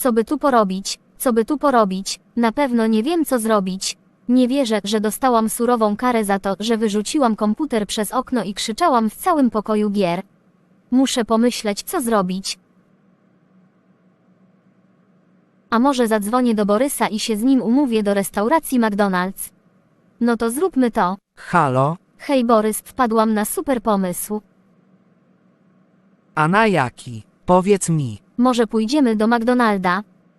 Co by tu porobić? Co by tu porobić? Na pewno nie wiem, co zrobić. Nie wierzę, że dostałam surową karę za to, że wyrzuciłam komputer przez okno i krzyczałam w całym pokoju gier. Muszę pomyśleć, co zrobić. A może zadzwonię do Borysa i się z nim umówię do restauracji McDonald's? No to zróbmy to. Halo? Hej Borys, wpadłam na super pomysł. A na jaki? Powiedz mi. Może pójdziemy do McDonalda?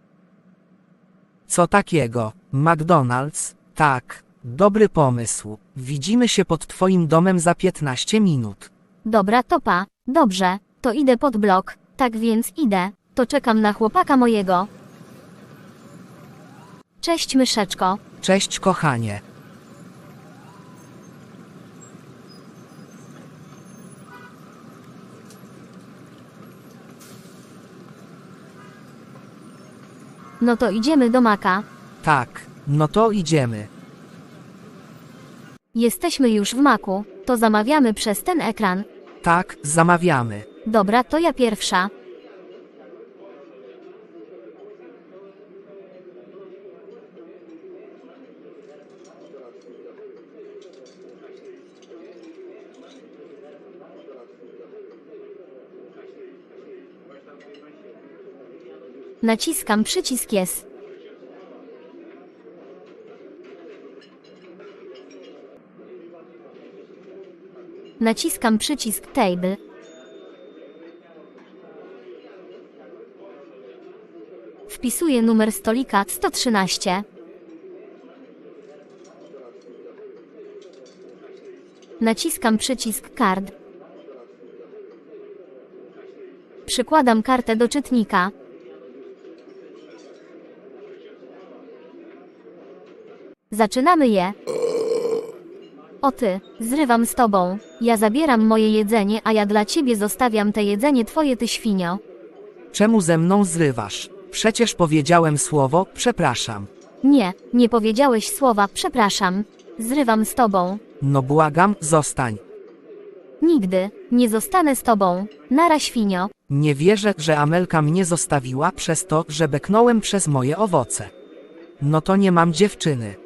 Co takiego? McDonald's? Tak. Dobry pomysł. Widzimy się pod twoim domem za 15 minut. Dobra, to pa. Dobrze, to idę pod blok. Tak więc idę. To czekam na chłopaka mojego. Cześć myszeczko. Cześć kochanie. No to idziemy do Maka. Tak, no to idziemy. Jesteśmy już w Maku. To zamawiamy przez ten ekran. Tak, zamawiamy. Dobra, to ja pierwsza. Naciskam przycisk Yes. Naciskam przycisk Table. Wpisuję numer stolika 113. Naciskam przycisk Card. Przykładam kartę do czytnika. Zaczynamy je. O ty, zrywam z tobą. Ja zabieram moje jedzenie, a ja dla ciebie zostawiam te jedzenie twoje, ty świnio. Czemu ze mną zrywasz? Przecież powiedziałem słowo, przepraszam. Nie, nie powiedziałeś słowa, przepraszam. Zrywam z tobą. No błagam, zostań. Nigdy, nie zostanę z tobą. Nara świnio. Nie wierzę, że Amelka mnie zostawiła przez to, że beknąłem przez moje owoce. No to nie mam dziewczyny.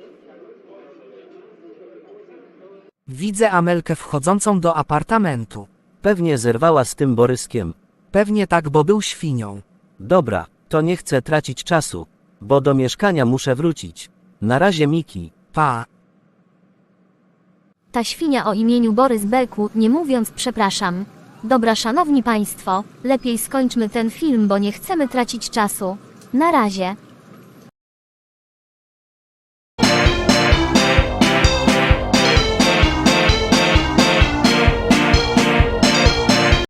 Widzę Amelkę wchodzącą do apartamentu. Pewnie zerwała z tym Boryskiem. Pewnie tak, bo był świnią. Dobra, to nie chcę tracić czasu, bo do mieszkania muszę wrócić. Na razie Miki. Pa. Ta świnia o imieniu Borys Belku, nie mówiąc przepraszam. Dobra, szanowni państwo, lepiej skończmy ten film, bo nie chcemy tracić czasu. Na razie.